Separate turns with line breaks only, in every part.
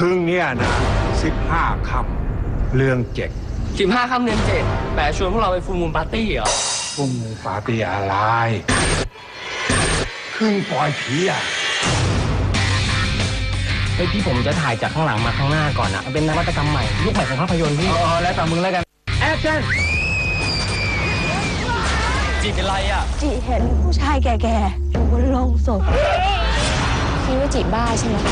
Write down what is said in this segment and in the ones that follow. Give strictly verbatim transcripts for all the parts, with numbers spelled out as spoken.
คืนนี้นะสิบห้าค่ำเรื่องเจ็ด
สิบห้าค่ำเดือนเจ็ดแปะชวนพวกเราไปฟูลมูนปาร์ตี้เหรอ
ฟูลมูนปาร์ตี้อะไรคืนปล่อยผีอ่ะ
ไอ้ที่ผมจะถ่ายจากข้างหลังมาข้างหน้าก่อนอะเป็นนวัตกรรมใหม่ยุคใหม่ของภาพยนตร์พี่อ๋อแล้วแต่มึงแล้วกันแอคชั่นจีเป็นไรอะ
จีเห็นผู้ชายแก่ๆอยู่บนโลงศพคิดว่าจีบ้าใช่ไหม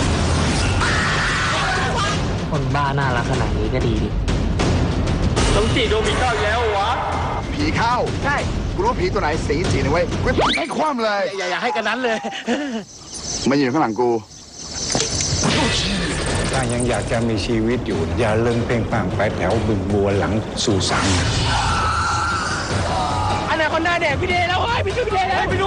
คนบ้าน่ารักขนาดนี้ก็ดีดิต้องจีโดมิเข้าแล้ววะ
ผีเข้า
ใช่
กูรู้ผีตัวไหนสีจีนะเว้ยกูให้คว่ำเลย
อย่าอย่าให้กันนั้นเลย
มาอยู่ข้างหลังกู
ถ้ายังอยากจะมีชีวิตอยู่อย่าเลิงเพ่งปังไปแถวบึงบัวหลังสู่สัง
อันไหนคนหน้าแดกพี่เดแล้วเฮ้ยพี่ช่วยพี่เดแล้วไปดู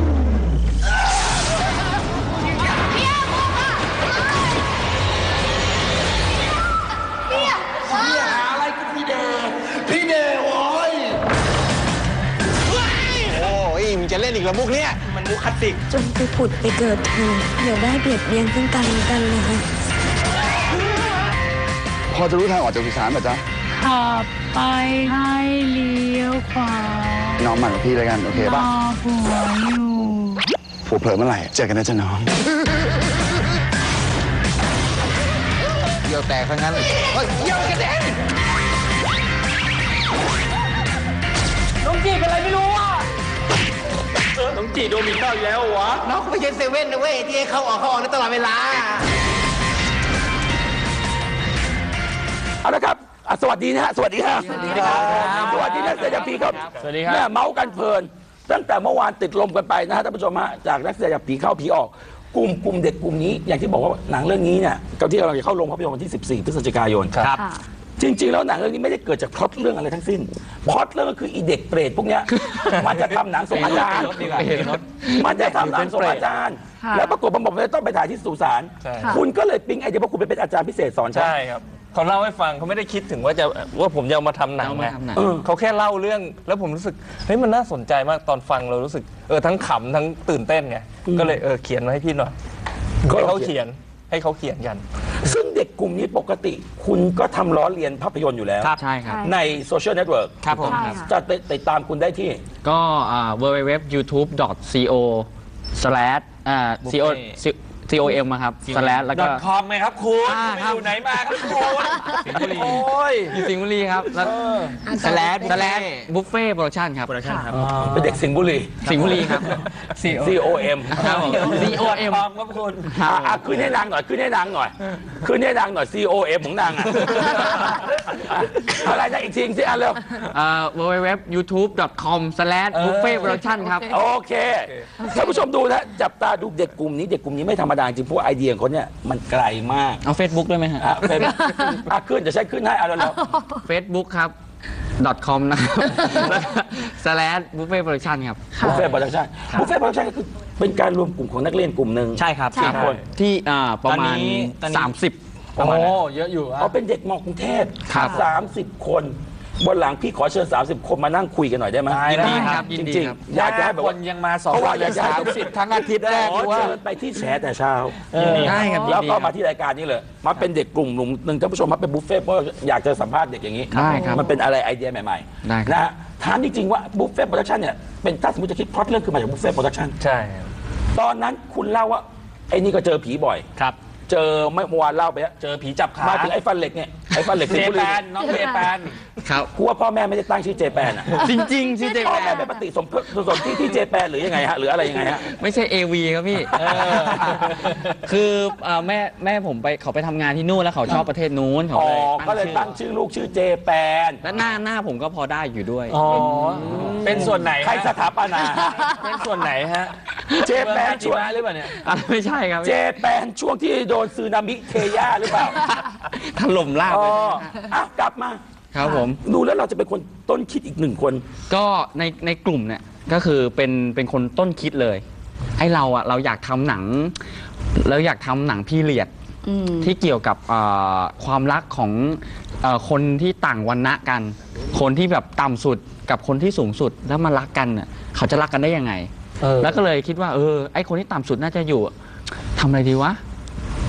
จะเล่นอีกแล้วมุกเนี้ย
มันมุกคลาสสิก
จงไปผุดไปเกิดเธออย่าได้เบียดเบียนซึ่งกันและกันเลย
พอจะรู้ทางออกจากสุสานป่ะจ๊ะ
ขับไปให้เลี้ยวขวา
น้องหมั่นกับพี่แล้วกันโอเคป่ะ
ผัวอยู่
ผัวเผลอเมื่อไหร่เจอกันนะจ๊ะน้อง
เกี่ยวแตกทั้งนั้นเฮ้ยเกี่ยวกระเด็น
น้องจีเป็นอะไรไม่รู้อ่ะน้องจีโดมิเข้าแล้ววะ
น้องไม่ใช่เซเว่นนะเว้ยที่ให้เข้าออกเข้าออกตลอดเวลา
เอาละครับสวัสดีนะฮะสวัสดีครับสวัสดีครับสวัสดีนักแสดงผีครับ
สวัสดีครับ
เนี่ยเมาส์กันเพลินตั้งแต่เมื่อวานติดลมกันไปนะฮะท่านผู้ชมฮะจากนักแสดงผีเข้าผีออกกลุ่มกลุ่มเด็กกลุ่มนี้อย่างที่บอกว่าหนังเรื่องนี้เนี่ยก็ที่เราจะเข้าโรงภาพยนตร์วันที่สิบสี่พฤศจิกายน
ครับ
จริงๆแล้วหนังเรื่องนี้ไม่ได้เกิดจากพล็อตเรื่องอะไรทั้งสิ้นพล็อตเรื่องก็คืออีเด็กเปรตพวกเนี้ยมันจะทำหนังส่งอาจารย์มันจะทำหนังส่งอาจารย์แล้วปรากฏมันบอกว่าต้องไปถ่ายที่สุสานคุณก็เลยปิ๊งไอเดียว่าคุณไปเป็นอาจารย์พิเศษสอน
ใช่ครับเขาเล่าให้ฟังเขาไม่ได้คิดถึงว่าจะว่าผมจะเอามาทำหนังนะเขาแค่เล่าเรื่องแล้วผมรู้สึกเฮ้ยมันน่าสนใจมากตอนฟังเรารู้สึกเออทั้งขำทั้งตื่นเต้นไงก็เลยเออเขียนมาให้พี่หน่อยให้เขาเขียนให้เขาเขียนกัน
ซึ่งเด็กกลุ่มนี้ปกติคุณก็ทำล้อเลียนภาพยนตร์อยู่แล้ว
ใช่ครับ
ในโซเชียลเน็ตเวิร์ก
ครับผม
จะติดตามคุณได้ที่
ก็ ดับเบิลยู ดับเบิลยู ดับเบิลยู ดอท ยูทูบ ดอท ซี โอ สแลช อ่า ซี โอ ซี โอ เอ็ม ครับ สแลช แล้วก็
คอมไหมครับคุณอยู่ไหนมาครับคุณสิงห์บุรีโอ้ย
อยู่สิงห์บุรีครับแล้วสแลช สแลช บุฟเฟ่โปรดักชั่นครับโปรดักชั่นครับ
เป็นเด็กสิงห์บุรี
สิงห์บุรีครับ
ซี โอ เอ็ม
ครับ ซี โอ เอ็ม
ครับคุณอ่ะขึ้นให้นางหน่อยขึ้นให้นางหน่อยขึ้นให้นางหน่อย ซี โอ เอ็ม ของนางอ่ะอะไรนะอีกทีสิอ่ะเร็ว
อ่า ดับเบิลยู ดับเบิลยู ดับเบิลยู ดอท ยูทูบ ดอท คอม สแลช บุฟเฟ่โปรดักชั่นครับ
โอเคท่านผู้ชมดูนะจับตาดูเด็กกลุ่มนี้เด็กกลุ่มนี้ไม่ธรรมดาจริงเพราะไอเดียของเขาเนี่ยมันไกลมาก
เอา Facebook ด้วยไหมฮะ
เฟซบุ๊กอ่ะขึ้นจะใช้ขึ้นให้เอาแล้ว
Facebook ครับ .com นะครับสแลช บุฟเฟ่โปรดักชั่นครับ
บุฟเฟ่โปรดักชั่นบุฟเฟ่โปรดักชั่นก็คือเป็นการรวมกลุ่มของนักเรียนกลุ่มหนึ่ง
ใช่ครับ
สี่คน
ที่ประมาณสามสิบ
โอ้เยอะอยู่เขาเป็นเด็กมอกรุงเทพสามสิบคนบนหลังพี่ขอเชิญสามสิบคนมานั่งคุยกันหน่อยได้ไหม
ยินดีครับ
จริงๆอยากจะให้แบบ
คนยังมาสอง
วันอยากจะให้ทุกสิ
ททั้งอาทิตย์แรก
ว่าเชิญไปที่แฉแต่เช้า
ได้ครับ
แล้วก็มาที่รายการนี้เลยมาเป็นเด็กกลุ่มหนึ่งท่านผู้ชมมาเป็นบุฟเฟ่เพราะอยากจะสัมภาษณ์เด็กอย่างนี้มันเป็นอะไรไอเดียใหม่ๆนะถามจริงๆว่าบุฟเฟ่โปรดักชั่นเนี่ยเป็นถ้าสมมติจะคิดพล็อตเรื่องคือมาจากบุฟเฟ่โปรดักชั่น
ใช่
ตอนนั้นคุณเล่าว่าไอ้นี่ก็เจอผีบ่อย
ครับ
เจอเมื่อวานเล่าไป
เจอผีจับขา
มาถึงไอ้ฟันเหล็กเนี่ยไอ้ฟันเหล็ก
เจแปนน้องเจแปน
ครับกูว่าพ่อแม่ไม่ได้ตั้งชื่อเจแปนอ่ะ
จริงๆชื่อเจแปน
พ่อแม่เป็นปฏิสมสมที่ที่เจแปนหรือยังไงฮะหรืออะไรยังไงฮะ
ไม่ใช่ เอ วี ครับพี่คือแม่แม่ผมไปเขาไปทำงานที่นู่นแล้วเขาชอบประเทศนู้น
อ๋อก็เลยตั้งชื่อลูกชื่อเจแปน
และหน้าหน้าผมก็พอได้อยู่ด้วย
อ๋อเป็นส่วนไหน
ใครสถาปนา
เป็นส่วนไหนฮะ
เจแปน
ช่วงหรือเปล่าเนี่ย
ไม่ใช่ครับ
เจแปนช่วงที่โดนซึนามิเทย่าหรือเปล่า
ถล่มลาบ
เลยอ่ะกลับมา
ครับผม
ดูแล้วเราจะเป็นคนต้นคิดอีกหนึ่งคน
ก็ในในกลุ่มเนี่ยก็คือเป็นเป็นคนต้นคิดเลยให้เราอ่ะเราอยากทำหนังเราอยากทำหนังพีเรียดที่เกี่ยวกับความรักของคนที่ต่างวรรณะกัน คนที่แบบต่ำสุดกับคนที่สูงสุดแล้วมารักกันเน่ยเขาจะรักกันได้ยังไงแล้วก็เลยคิดว่าเออไอคนที่ต่ำสุดน่าจะอยู่ทำอะไรดีวะเออ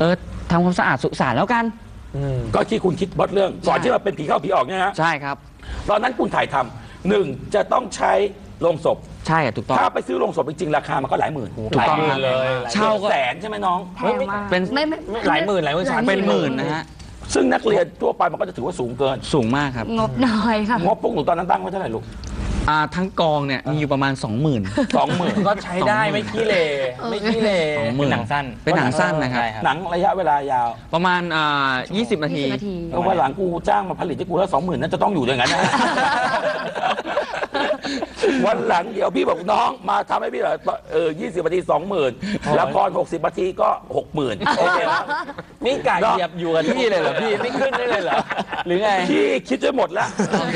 ทำความสะอาดสุสานแล้วกัน
ก็ที่คุณคิดบล็อตเรื่องก่อนที่เราเป็นผีเข้าผีออกเนี่ยฮะ
ใช่ครับ
ตอนนั้นคุณถ่ายทำหนึ่งจะต้องใช้โรงศพ
ใช่อะถูกต้อง
ถ้าไปซื้อโรงศพจริงๆราคามันก็หลายหมื่น
ถูกต้องครับ
เลย
เช่าก็
แสนใช่ไหมน้อง
แพงมาก
เป็น
ไม่ไม่
หลายหมื่นหลายหมื่น
เป็นหมื่นนะฮะ
ซึ่งนักเรียนทั่วไปมันก็จะถือว่าสูงเกิน
สูงมากครับ
งบน้อยค่ะ
งบพวกหนูตอนนั้นตั้งไว้เท่าไหร่ลูก
อ่าทั้งกองเนี่ยมีอยู่ประมาณ สองหมื่น
สองหมื่น
ก็ใช้ได้ไม่ขี้เลไม่ขี้เล
สองหมื่น
หนังสั้น
เป็นหนังสั้นนะครับ
หนังระยะเวลายาว
ประมาณอ่ายี่สิบนาที
ยี่สิบนาที
เพราะว่าหลังกูจ้างมาผลิตให้กูแล้วสองหมื่นนั่นจะต้องอยู่อย่างนั้นนะ วันหลังเดี๋ยวพี่บอกน้องมาทำให้พี่เหรอเออยี่สิบนาทีสองหมื่นละครหกสิบนาทีก็หกหมื่นโอเคไหม
นี่กะเหยียบอยู่กับที่เลยเหรอพี่ไม่ขึ้นได้เลยเหรอหรือไง
พี่คิดไว้หมดแล้ว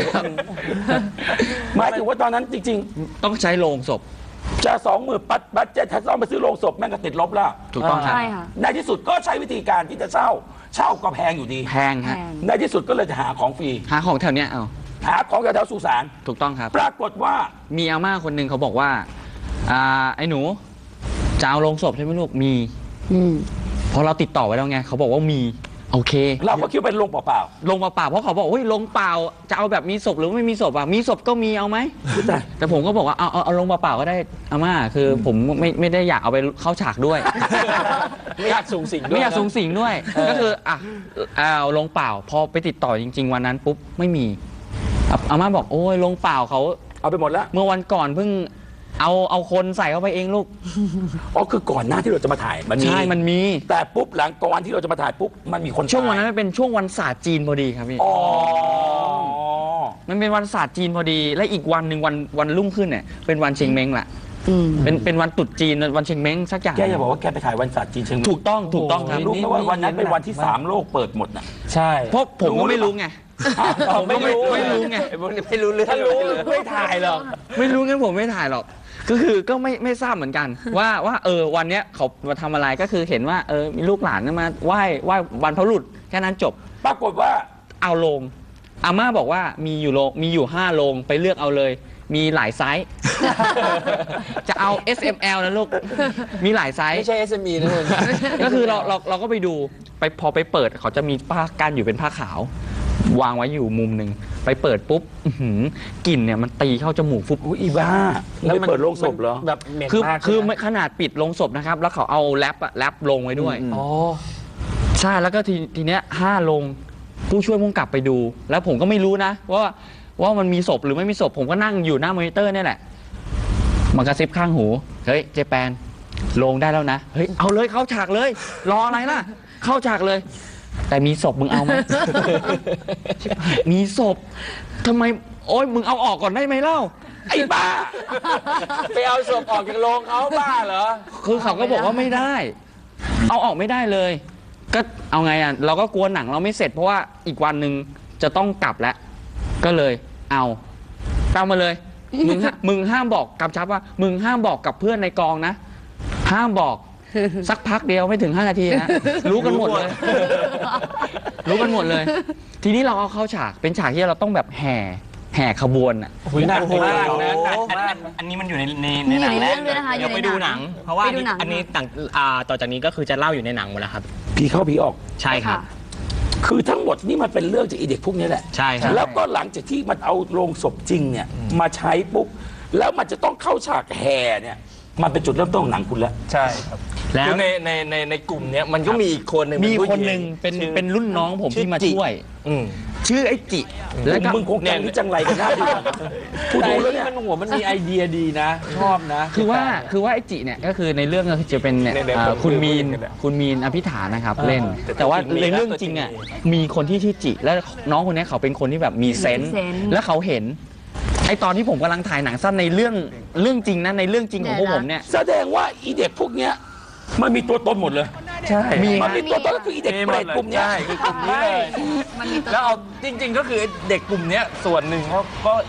หมายถึงว่าตอนนั้นจริง
ต้องใช้โลงศพ
ๆ จะสองหมื่นปัดบัตเจ็ตถ้าต้องไปซื้อโรงศพแม่งก็ติดลบแล้ว
ถูกต้องครับ
ใช่ค่ะ
ในที่สุดก็ใช้วิธีการที่จะเช่า เช่าก็แพงอยู่ดี
แพง
แพ
ฮะ
ง
ในที่สุดก็เลยจะหาของฟรี
หาของแถวเนี้ยเอา
หาของแถวๆสุสาน
ถูกต้องครับ
ปรากฏว่า
มีอาม่าคนหนึ่งเขาบอกว่าอ่าไอ้หนูจะเอาโลงศพใช่ไหมลูกมี
อืม
พอเราติดต่อไว้แล้วไงเขาบอกว่ามีโอเค
เราก็คิดว่าเป็นโรงเปล่า
ลงเปล่าๆเพราะเขาบอกเฮ้ยลงเปล่าจะเอาแบบมีศพหรือไม่มีศพอ่ะมีศพก็มีเอาไหม
ๆแต่
แต่ผมก็บอกว่าเอาเอาเอาลงเปล่าๆก็ได้อาม่าคือผมไม่ไม่ได้อยากเอาไปเข้าฉากด้วย
ไม่อยากสูงสิงด้วย
ไม่อยากสูงสิงด้วย ก็คืออ่ะเอาลงเปล่า พอไปติดต่อจริง ๆ วันนั้นปุ๊บไม่มีอ่ะอาม่าบอกโอ้ยลงเปล่าเขา
เอาไปหมดแล้ว
เมื่อวันก่อนเพิ่งเอาเอาคนใส่เข้าไปเองลูก
อ๋อคือก่อนหน้าที่เราจะมาถ่ายมันมี
ใช่มันมี
แต่ปุ๊บหลังก่อนที่เราจะมาถ่ายปุ๊บมันมีคน
ช่วงวัน
ตาย
นั้นมันเป็นช่วงวันศาสตร์จีนพอดีครับพี่
อ๋อ
มันเป็นวันศาสตร์จีนพอดี และอีกวันหนึ่งวันวันรุ่งขึ้นเนี่ยเป็นวันเชงเม้งแหละ
อืม
เป็นเป็นวันตรุษจีนวันเชงเม้งสักอย่าง
แกอย่าบอกว่าแกไปถ่ายวันศาสตร์จีนเชียงใหม่
ถูกต้องถูกต้องครับ
รู้ไหมว่าวันนั้นเป็นวันที่สามโลกเปิดหมดน่ะ
ใช่
เพราะผมก็ไม่รู้ไง
ผมไม่รู้
ไม่รู้ไง
ไอ้พวกนี้ไม่รู้เรื่องถ้ารู้ไม่ถ่ายหรอก
ไม่รู้งั้นผมไม่ถ่ายหรอก ก็คือก็ไม่ไม่ทราบเหมือนกัน ว่าว่าเออวันเนี้ยเขามาทำอะไรก็คือเห็นว่าเออมีลูกหลานมาไหว้ไหว้บรรพบุรุษแค่นั้นจบ
ปรากฏว่า
เอาโลงอาม่าบอกว่ามีอยู่โลงมีอยู่ห้าโลงไปเลือกเอาเลย มีหลายไซส์ จะเอา เอส เอ็ม แอล นะลูกมีหลายไซส์
ไม่ใช่ เอส เอ็ม อี นะคุณ
ก็คือเราเราเราก็ไปดูไปพอไปเปิดเขาจะมีผ้ากั้นอยู่เป็นผ้าขาว วางไว้อยู่มุมหนึ่งไปเปิดปุ๊บอื้อหือกลิ่นเนี่ยมันตีเข้าจมูกฟุบ
อุ้ยอีบ้าแล้วเปิดโรงศพเหรอ
แบบเหม็น
คือ
มาก
คือ
ใช่ไหม
ขนาดปิดลงศพนะครับ แล้วเขาเอาแรปอะแรปลงไว้ด้วย
อ๋อ
ใช่แล้วก็ทีทีเนี้ยห้าลงผู้ช่วยพุ่งกลับไปดู แล้วผมก็ไม่รู้นะ ว่าว่ามันมีศพหรือไม่มีศพผมก็นั่งอยู่หน้ามอนิเตอร์เนี่ยแหละมันกระซิบข้างหูเฮ้ยเจแปนลงได้แล้วนะเฮ้ยเอาเลยเข้าฉากเลย รออะไรล่ะ เข้าฉากเลย แต่มีศพมึงเอาไหม มีศพทำไมโอ๊ยมึงเอาออกก่อนได้ไหมเล่า
ไอ้บ้า
ไปเอาศพออกจากโรงเขาบ้าเหรอ
คือเขาก็บอกว่าไม่ได้ เอาออกไม่ได้เลย ก็เอาไงอ่ะ เราก็กลัวหนังเราไม่เสร็จเพราะว่าอีกวันหนึ่งจะต้องกลับแล้ว ก็เลยเอาตามมาเลย มึงห้ามึงห้ามบอกกำชับว่า มึงห้ามบอกกับเพื่อนในกองนะ ห้ามบอก สักพักเดียวไม่ถึงห้านาทีนะรู้กันหมดเลย รู้กันหมดเลย ทีนี้เราเอาเข้าฉากเป็นฉากที่เราต้องแบบแห่แห่ขบวนอ่ะ
หนักมากนะหนัก
อัน
มาก
อันนี้มันอยู่ในใน
มี
ใน
อยู่
หนัง
ในเรื่องด้วยนะคะ
เดี๋ยว
อยู่
ไป
ใน
ดู
ห
ห
นั
นั
ง
ง เพราะว่า
ไปดูหนัง
อันนี้ต่างอ่าต่อจากนี้ก็คือจะเล่าอยู่ในหนังหมดแล้วครับ
ผีเข้าผีออก
ใช่ครับ
คือทั้งหมดนี่มันเป็นเรื่องจากอีเด็กพวกนี้แหละ
ใช่ครับ
แล้วก็หลังจากที่มันเอาโรงศพจริงเนี่ยมาใช้ปุ๊บแล้วมันจะต้องเข้าฉากแห่เนี่ยมันเป็นจุดเริ่มต้นของหนังคุณแล้ว
ใช่ครับ
แล้ว
คือในในในในกลุ่มเนี้ยมันก็มีอีกคนหนึ่ง
มี
เป็ผู้
คน
ญิ
หนึ่งเป็น
ชื่อ
เป็นรุ่นน้องผมที่มา
ชื่อจิ
ช่วย
อืม
ชื่อไอ้จิ แล้วก็
มึงคงแกงนี่จังไรกันหน้าดูพูด
แต่
ดูแล้ว
ที่
เนี่ย
มันหัวมันมีไอเดียดีนะ ชอบนะ
คือว่าคือว่าไอ้จิเนี่ยก็คือในเรื่องก็คือจะเป็นเนี่ย
เนี่ย
เอ่อ
ผม
คุณมีน
พูดกันอะ
คุณมีนอภิฐานนะครับ
อ่า
เล่น
แต่
แต่ว่า
ตัวจริงมี
ในเรื่อง
นะ
จริงอ่ะ
ตัวจริง
มีคนที่ชื่อจิ แล้วน้องคนเนี้ยเขาเป็นคนที่แบบมีเซนส์
มีเซนส์
แล้วเขาเห็นไอตอนที่ผมกำลังถ่ายหนังสั้นในเรื่องเรื่องจริงนะในเรื่องจริงของพวกผมเนี่ย
แสดงว่าอีเด็กพวกเนี้ยมันมีตัวตนหมดเลย
ใช่
มี
มันมีตัวตนก็คืออีเด็กเปรตกลุ่มเนี้ย
ใช่คือกลุ่มนี้เลย
มันมีตัว
แล้วเอาจริง ๆ ก็คือเด็กกลุ่มเนี้ยส่วนหนึ่งเขาก็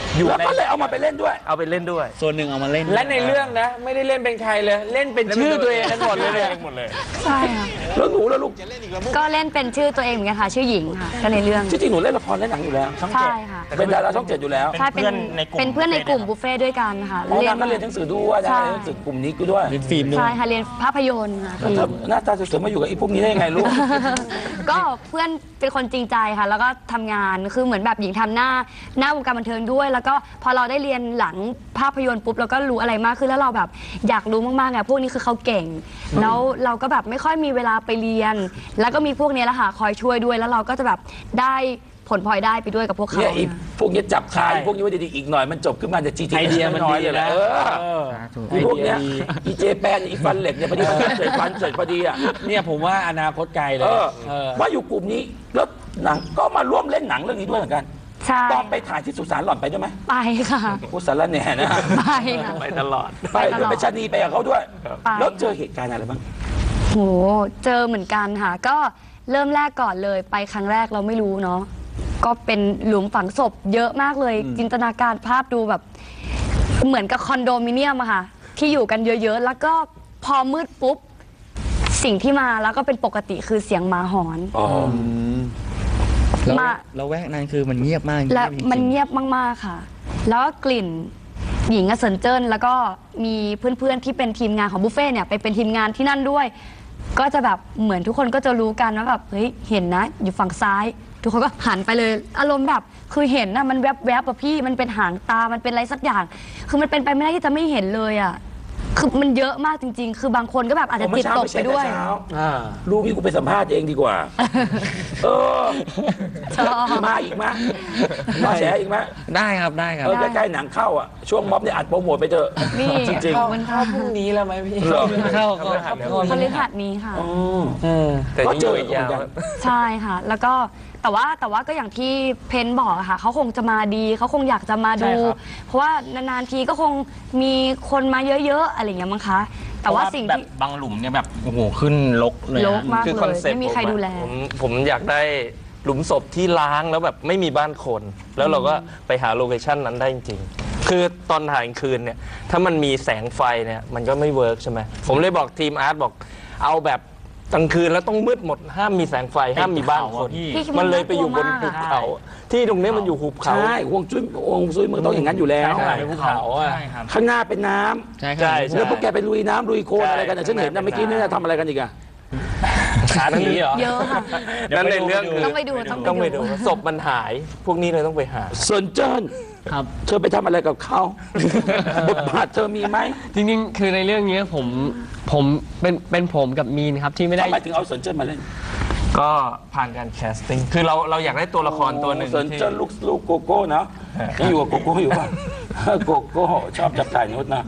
อยู่
แล้ว
ใน
ก็เลยเอามาไปเล่นด้วย
เอาไปเล่นด้วย
ส่วนหนึ่งเอามาเล่น
และในเรื่องนะ ไม่ได้เล่นเป็นใครเลย เล่นเป็นชื่อตัวเองกันหมดเลยเนี่ย
หมดเลย
ใช่ค่ะ
แล้วหนูแล้วลูก
ก็เล่นเป็นชื่อตัวเองเหมือนกันค่ะ ชื่อหญิงค่ะก็ในเรื่อง
จริงๆหนูเล่นละครเล่นหนังอยู่แล้ว
ใช่ค่ะ
เป็นดาราช่องเจ็ดอยู่แล้ว
ใช่เป็นเป็นเพื่อนในกลุ่มบุฟเฟ่ด้วยกันค่ะ
อ๋อนางก็เรียนหนังสือด้วย
ใช่
นะเรียนหนังสือกลุ่มนี้ก็ด้วย
เล่นฟิล์มด้วย
ใช่ค่ะเรียนภาพยนตร์ค่ะ
แล้วเธอหน้าตาสวยๆมาอยู่กับไอ้พวกนี้ได้ยังไงลูก
ก็เพื่อนเป็นคนจริงใจค่ะ แล้วก็ทำงานคือเหมือนแบบหญิงทำหน้าหน้าวงการบันเทิงด้วย แล้วก็พอเราได้เรียนหลังภาพยนตร์ปุ๊บเราก็รู้อะไรมากขึ้นแล้วเราแบบอยากรู้มากๆไงพวกนี้คือเขาเก่ง แล้วเราก็แบบไม่ค่อยมีเวลาไปเรียน แล้วก็มีพวกนี้แหละค่ะคอยช่วยด้วย แล้วเราก็จะแบบได้ผลพลอยได้ไปด้วยกับพวกเขา
เนี่ยไอ้
นะ
พวกนี้จับขายพวกนี้ไว้ดีๆอีกหน่อยมันจบขึ้นมาจากจีที
ไอเดียมัน
น้อย
ดี
เลยแหละ
นะ
เออ
เออ
ไอ้พวกเนี้ยอีเจแปนอีฟันเหล็กเนี่ยพอดีมันเสร็จฟันเสร็จพอดีอ่ะ
เนี่ยผมว่าอนาคตไกลเล
เอย อ
เออ
ว่าอยู่กลุ่มนี้แล้วหนังก็มาร่วมเล่นหนังเรื่องนี้ด้วยเหมือนกัน
ใช่
ตอนไปถ่ายที่สุสานหล่อนไปด้วยไหม
ไปค่ะ
พูดสารแหน่นะ
ไปค่ะ
ไปตลอด
ไปด้วยไปชะนีไปกับเขาด้วย
ไป
แล้วเจอเหตุการณ์อะไรบ้าง
โหเจอเหมือนกันค่ะ ก็เริ่มแรกก่อนเลยไปครั้งแรกเราไม่รู้เนาะก็เป็นหลุมฝังศพเยอะมากเลย จินตนาการภาพดูแบบ เหมือนกับคอนโดมิเนียมอะค่ะ ที่อยู่กันเยอะๆ แล้วก็พอมืดปุ๊บ สิ่งที่มาแล้วก็เป็นปกติคือเสียงหมาหอน
อ๋อ
แล้ว
มา
แล้วแวกนั้นคือมันเงียบมาก
และ
จริงๆ
มันเงียบมากๆค่ะ แล้วก็กลิ่นหญิงกับเซินเจิ้นแล้วก็มีเพื่อนๆที่เป็นทีมงานของบุฟเฟ่ต์เนี่ยไปเป็นทีมงานที่นั่นด้วย ก็จะแบบเหมือนทุกคนก็จะรู้กันว่าแบบเฮ้ยเห็นนะอยู่ฝั่งซ้าย ทุกคนก็หันไปเลยอารมณ์แบบคือเห็นนะมันแวบๆอะพี่มันเป็นหางตามันเป็นอะไรสักอย่าง คือมันเป็นไปไม่ได้ที่จะไม่เห็นเลยอะคือมันเยอะมากจริง ๆ คือบางคนก็แบบอาจจะจิตตกไปด้วย
เมื่อเช้า
อ่า
ลูกพี่กูไปสัมภาษณ์เองดีกว่า เออ
ชอบ
มาอีกไหมมาแฉอีกไหม
ได้ครับได้ครับ
เออใกล้ๆหนังเข้าอ่ะ ช่วงม็อบเนี่ยอัดโปรโมทไปเถอะ
นี่
จริง
ขอบคุณค่ะ
พรุ่งนี้แล้วไหมพี่
เหรอ
เข้า
พฤหัส
เข้า
พฤหัสนี้ค่ะ
ๆอ๋อ
เออ
แต่
ก็
ยัง
เจ
อยู่
อ
อีกยาว
เหมือนกัน
ใช่ค่ะ แล้วก็แต่ว่าแต่ว่าก็อย่างที่เพนบอกอะค่ะเขาคงจะมาดีเขาคงอยากจะมาดู
ใช่ครับ
เพราะว่านานๆทีก็คงมีคนมาเยอะๆอะไรอย่างเงี้ยมั้งคะ แต่ว่าสิ่ง
แบบ
ที่
บางหลุมเนี่ยแบบโอ้โหขึ้นลกเลย
ร
นะ
กมาก
คือ
เล
คอน
ย
เซ็ปต์
ไม่มีใคร
ผอะ
ดูแล
ผมผมอยากได้หลุมศพที่ล้างแล้วแบบไม่มีบ้านคน แล้วเราก็ไปหาโลเคชั่นนั้นได้จริงๆ คือตอนถ่ายกลางคืนเนี่ยถ้ามันมีแสงไฟเนี่ยมันก็ไม่เวิร์กใช่ไหมผมเลยบอกทีมอาร์ตบอกเอาแบบกลางคืนแล้วต้องมืดหมดห้ามมีแสงไฟห้ามมีบ้านคน
พี่คิดว่า
มันเลยไปอยู่บน
น่ากลั
ภู
วมากอะ
เขา ที่ตรงนี้มันอยู่หุบเขา
ใช่ห่วงจุ้ยห่วงซุยเมืองต้องอย่างนั้นอยู่แล้ว
ใช่ในภูเขาอ่ะ
ใช่ครับ
ข้างหน้าเป็นน้ำ
ใช่ค
ใช่
รับ
ใช่
แล้วพวกแกไปลุยน้ำลุยโคลน
ใช่
อะไรกันเนี่ยฉันเห็นนะเมื่อกี้เนี่ยทำอะไรกันอีกอะ
ขาหนีเหรอ
เยอะค่ะ
นั่นในเรื่องคือ
ต้องไปดูต้อง
ต้อง
ไป
ไป
ดู
ดูศพมันหาย พวกนี้เลยต้องไปหา
เซินเจิ้น
ครับ
เธอไปทำอะไรกับเขาบทบาทเธอมีไหม
จริงๆ คือในเรื่องนี้ผมผมเป็นเป็นผมกับมีนครับที่ไม่ได้
ทำไมถึงเอาเซินเจิ้นมาเล่น
ก็ผ่านการแคสติ้งคือเราเราอยากได้ตัวละครตัวหนึ่ง
เซิน
ที่
เจิ้นลูกลูกโกโก้เนาะยังอยู่กับโกโก้อยู่ป่ะโกโก้ชอบจับถ่ายนุชนะ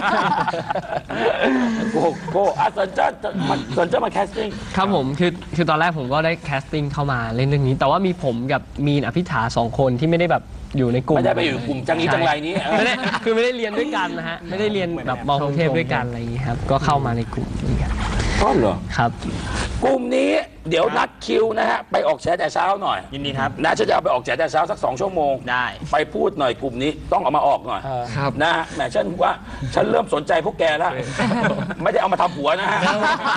โกโก้อ่ะเซินเจิ้นมันเซินเจิ้นมาแคสติ้ง
ครับผมคือคือตอนแรกผมก็ได้แคสติ้งเข้ามาเล่นเรื่องนี้ แต่ว่ามีผมกับมีนอภิธาสองคนที่ไม่ได้แบบอยู่ในกลุ่ม
ไม่ได้ไปอยู่กลุ่มจังนี้จังไรนี้เออ
ไม่ได้คือไม่ได้เรียนด้วยกันนะฮะไม่ได้เรียนแบบมอกรุงเทพด้วยกันอะไรอย่างนี้ครับก็เข้ามาในกลุ่มนี้ครับ
อ๋อเหรอ
ครับ
กลุ่มนี้เดี๋ยวนัดคิวนะฮะไปออกแฉแต่เช้าหน่อย
ยินดีครับ
นะฉันจะเอาไปออกแฉแต่เช้าสักสองชั่วโมง
ได้
ไปพูดหน่อยกลุ่มนี้ต้องเอามาออกหน่อย
ครับ
นะฮะแหมฉันว่าฉันเริ่มสนใจพวกแกแล้ว ไม่ได้เอามาทำผัวนะฮะ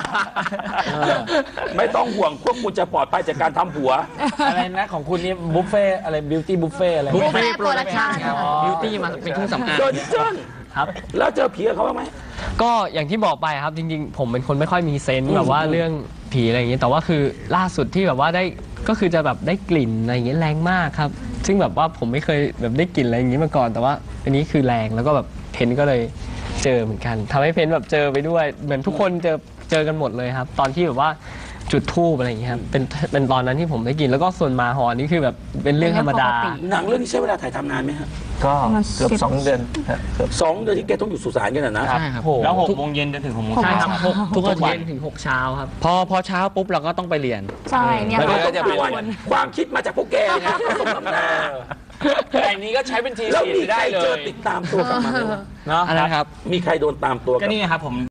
ไม่ต้องห่วงพวกคุณจะปลอดภัยจากการทำผัว
อะไรนะของคุณนี่บุฟเฟ่อะไรบิวตี้บุฟเฟ่อะไร
บุฟเฟ่โปรดักชั่น
บิวตี้มาเป็นเครื่องสำอาง
เดินเจิ้น
ครับ
แล้วเจอผีกับเขาบ้างไหม
ก็อย่างที่บอกไปครับจริงๆ ผมเป็นคนไม่ค่อยมีเซนส์แบบว่าเรื่องผีอะไรอย่างนี้แต่ว่าคือล่าสุดที่แบบว่าได้ก็คือจะแบบได้กลิ่นอะไรอย่างเงี้ยแรงมากครับ ซึ่งแบบว่าผมไม่เคยแบบได้กลิ่นอะไรอย่างนี้มาก่อน แต่ว่าอันนี้คือแรงแล้วก็แบบเพนก็เลยเจอเหมือนกันทำให้เพนแบบเจอไปด้วยเหมือนทุกคนเจอเจอกันหมดเลยครับ ตอนที่แบบว่าจุดธูปอะไรอย่างเงี้ยครับเป็นเป็นตอนนั้นที่ผมได้กลิ่นแล้วก็ส่วนหมาหอนนี่คือแบบเป็นเรื่องธรรมดา
เป็นเรื่องปกติ
หนังเรื่องนี้ใช้เวลาถ่ายทำนานไหมฮะ
ก็
ประมาณ
เกือบ
สิบ
สองเดือนฮะเกือบ
สองเดือนที่แกต้องอยู่สุสานกันนะนะ
ใช่ครับ
แล้วหกโมงเย็นจนถึงหกโมง
ใช่
เช้า
ครับหกทุกวันเย็นถึงหกเช้าครับ
พอพอเช้าปุ๊บเราก็ต้องไปเรียน
ใช่เนี่ย
แล้ว
เรา
ก็
ต้อง
จะ
หา
เป็น
คน
ความคิดมาจากพวกแกนะสมน้ำหน้า
แต่อันนี้ก็ใช้เป็นที
แล้ว
สี
มีใค
ได้
ร
เล
เจอย ติดตามตัวกลับมาไหมวะ
เนาะ
อันนั้นครับ
มีใครโดนตามตัวก
ก็
ลับ
นี่ไงครับผม